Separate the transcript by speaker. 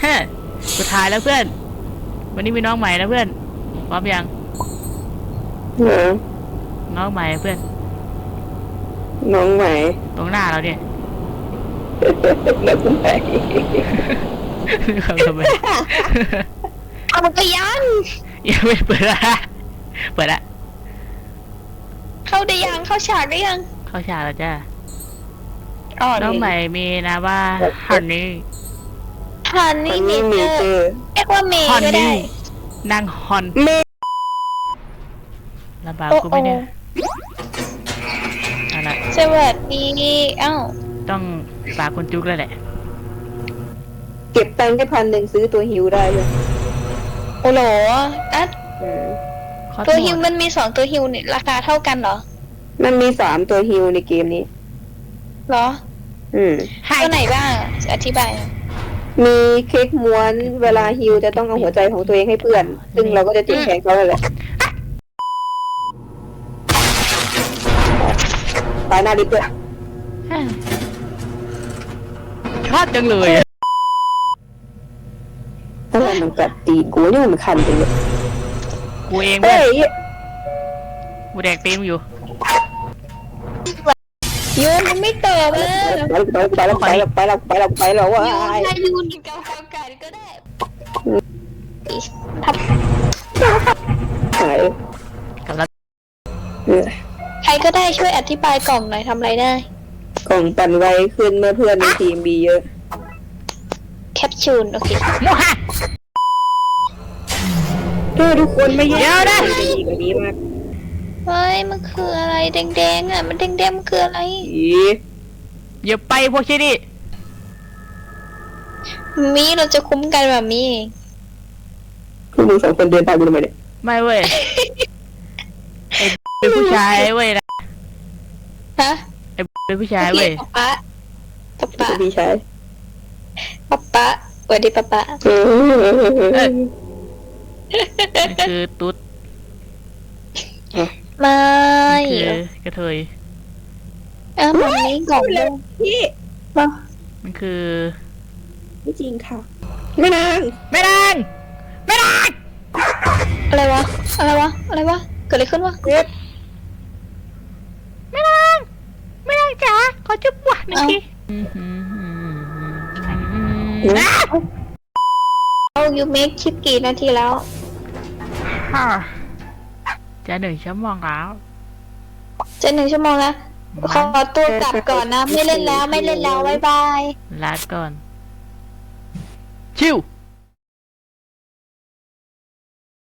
Speaker 1: สุดท้ายแล้วเพื่อนวันนี้มีน้องใหม่นะเพื่อนพร้อมยังน้องใหม่เพื่อน
Speaker 2: น้องใหม่
Speaker 1: ตรงหน้าเราเนี่ย
Speaker 2: น้องใหม่
Speaker 1: ทำไม
Speaker 3: เอามันก็ยัง
Speaker 1: ไม่เปิดละเปิดละ
Speaker 3: เข้าได้ยังเข้าฉากได้ยัง
Speaker 1: เข้าฉากแล้วจ้าน้องใหม่มีนะว่าฮันนี่
Speaker 3: เมเจอร์เรียกว่าเมย์ก็ได้
Speaker 1: นางฮอน
Speaker 2: เมย์
Speaker 1: ลำบากกูไม่เนี่ยอะไร
Speaker 3: สวัสดี
Speaker 1: ต้องฝากคนจุกแล้วแหละ
Speaker 2: เก็บตังค์แค่1,000ซื้อตัวฮิวได้เลย
Speaker 3: โอ้โหตัวฮิวมันมี2ตัวฮิวเนี่ยราคาเท่ากันเหรอ
Speaker 2: มันมี3ตัวฮิวในเกมนี้
Speaker 3: เหรอตัวไหนบ้างอธิบาย
Speaker 2: มีเค้กม้วนเวลาฮิวจะต้องเอาหัวใจของตัวเองให้เพื่อนซึ่งเราก็จะจิ้มแทงเขาเลยแหละตายหน้าดิบด้วย
Speaker 1: ชอบจังเลย
Speaker 2: ถ้ามันกัดตีกูนี่มันคันจริงเลย
Speaker 1: กูเองเว้ยกูแดกตีมอยู่
Speaker 3: ยูนมันไม่ตอบเลย
Speaker 2: ไปแล้วว่า
Speaker 3: ให้ยูนกินกาแฟกันก็ได้
Speaker 2: หาย
Speaker 3: ใครก็ได้ช่วยอธิบายกล่องหน่อยทำอะไรได้
Speaker 2: กล่องปั่นไวขึ้นเมื่อเพื่อนในทีมมีเยอะ
Speaker 3: แคปซูลโอเค
Speaker 2: ทุกคนไม่เยอะ
Speaker 1: นะ
Speaker 2: ดีกว่านี้มาก
Speaker 3: เฮ้ยมันคืออะไรแดงๆมันแดงๆมันคืออะไร
Speaker 1: อย่าไปพวกชี้ดิ
Speaker 3: มีเราจะคุ้มกันแบบนี้
Speaker 2: คือมึง2 คนเดินตามกูทำไมเนี่ย
Speaker 1: ไม่เว้ยเป็นผู้ชายเว้ยนะ
Speaker 3: ฮะ
Speaker 1: เป็นผู้ชายเว้ย
Speaker 3: ป๊า
Speaker 2: พี่ชาย
Speaker 3: ป๊าสวัสดีป๊า
Speaker 1: คือตุ๊ด
Speaker 3: ไม่
Speaker 1: คือกระเทย
Speaker 3: มันนี้กล่องเลย
Speaker 2: พี่
Speaker 1: มันคือ
Speaker 2: ไม่จริงค่ะไม่นาง
Speaker 3: อะไรวะเกิดอะไรขึ้นวะ
Speaker 1: ไม่นางจ๋าขอจุ๊บหวานหนึ่งที
Speaker 3: ยูเมคชิปกี่นาทีแล้ว
Speaker 1: จะ1 ชั่วโมงแล้ว
Speaker 3: จะ1 ชั่วโมงแล้วขอตัวกลับก่อนนะไม่เล่นแล้วบ๊ายบาย
Speaker 1: ลาก่อนชิว